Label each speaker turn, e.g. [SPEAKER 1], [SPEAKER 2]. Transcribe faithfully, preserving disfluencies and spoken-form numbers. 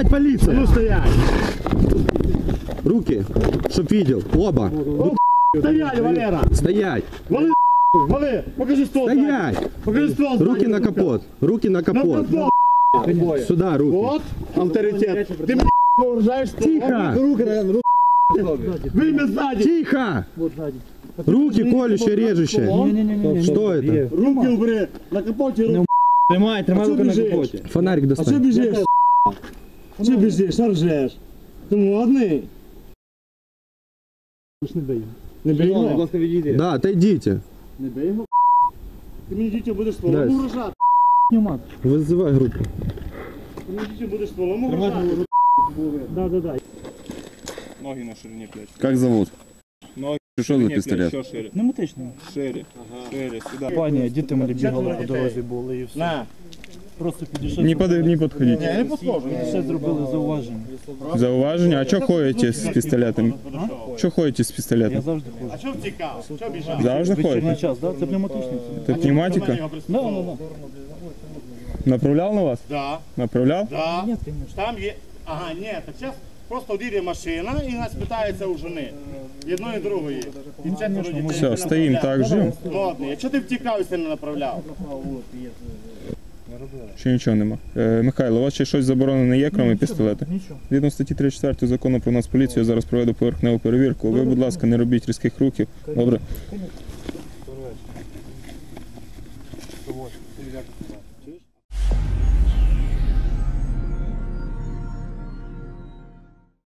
[SPEAKER 1] Стоять, полиция!
[SPEAKER 2] Ну стоять!
[SPEAKER 1] Руки, чтоб видел. Оба.
[SPEAKER 2] Стоять, Валера!
[SPEAKER 1] Стоять!
[SPEAKER 2] Вали, вали! Покажи ствол!
[SPEAKER 1] Стоять!
[SPEAKER 2] Покажи ствол!
[SPEAKER 1] Руки на капот. Руки на капот. Сюда руки.
[SPEAKER 2] Вот авторитет. Ты меня вооружаешь?
[SPEAKER 1] Тихо!
[SPEAKER 2] Руки, руки. Вымя сзади!
[SPEAKER 1] Тихо! Руки колющие, режущие. Что это?
[SPEAKER 2] Руки убери! На капоте руки!
[SPEAKER 3] Тримай, тримай руки на капоте.
[SPEAKER 1] Фонарик
[SPEAKER 2] А что
[SPEAKER 1] достань.
[SPEAKER 2] бежишь? Что бежишь? Что ржешь? Ты модный? Не бей його. Не бей
[SPEAKER 3] Будь
[SPEAKER 2] його?
[SPEAKER 3] ласка, відійди.
[SPEAKER 1] Да, отойдите.
[SPEAKER 2] Не бей його. Ти мені дітей будеш
[SPEAKER 1] Да.
[SPEAKER 2] стволом угрожати.
[SPEAKER 1] Вызывай группу.
[SPEAKER 2] Ти мені дітей будеш стволом угрожати. Да, да, да.
[SPEAKER 4] Ноги на ширині плеч.
[SPEAKER 5] Как зовут?
[SPEAKER 4] Ноги
[SPEAKER 5] Что за
[SPEAKER 4] плеч,
[SPEAKER 5] пистолет?
[SPEAKER 4] що шире.
[SPEAKER 3] Пневматичний.
[SPEAKER 4] Шире, шире, сюди.
[SPEAKER 3] Пані, діти малі бігали по дорозі були і все.
[SPEAKER 2] На.
[SPEAKER 3] Просто підійшов.
[SPEAKER 5] Не, под, не подходите.
[SPEAKER 2] Я не подходжу.
[SPEAKER 3] Ще зробили зауваження.
[SPEAKER 5] Зауваження? А что ходите с пистолетом? Что ходите с
[SPEAKER 3] Я
[SPEAKER 5] пистолетом?
[SPEAKER 3] завжди ходжу.
[SPEAKER 2] А що втікав? Що біжав?
[SPEAKER 5] Завжди
[SPEAKER 3] Вечірній
[SPEAKER 5] ходите?
[SPEAKER 3] час, да? Це пневматичний.
[SPEAKER 5] Это пневматика?
[SPEAKER 3] Да, да, да.
[SPEAKER 5] Направлял на вас?
[SPEAKER 2] Да,
[SPEAKER 5] Направлял?
[SPEAKER 2] да.
[SPEAKER 3] Ні, звісно.
[SPEAKER 2] Там є... Ага, ні, так зараз просто одійде машина і нас питається у жени. Єдної, другої. І четверо дітей.
[SPEAKER 5] Все, стоим так, ждем.
[SPEAKER 2] Модний. Якщо ти втікав і сильно направляв?
[SPEAKER 5] Ще нічого нема. Е, Михайло, у вас ще щось заборонене є, крім пістолета?
[SPEAKER 3] Нічого.
[SPEAKER 5] Згідно статті тридцять четвертої закону про нас поліцію, я зараз проведу поверхневу перевірку. Ви, будь ласка, не робіть різких рухів. Добре?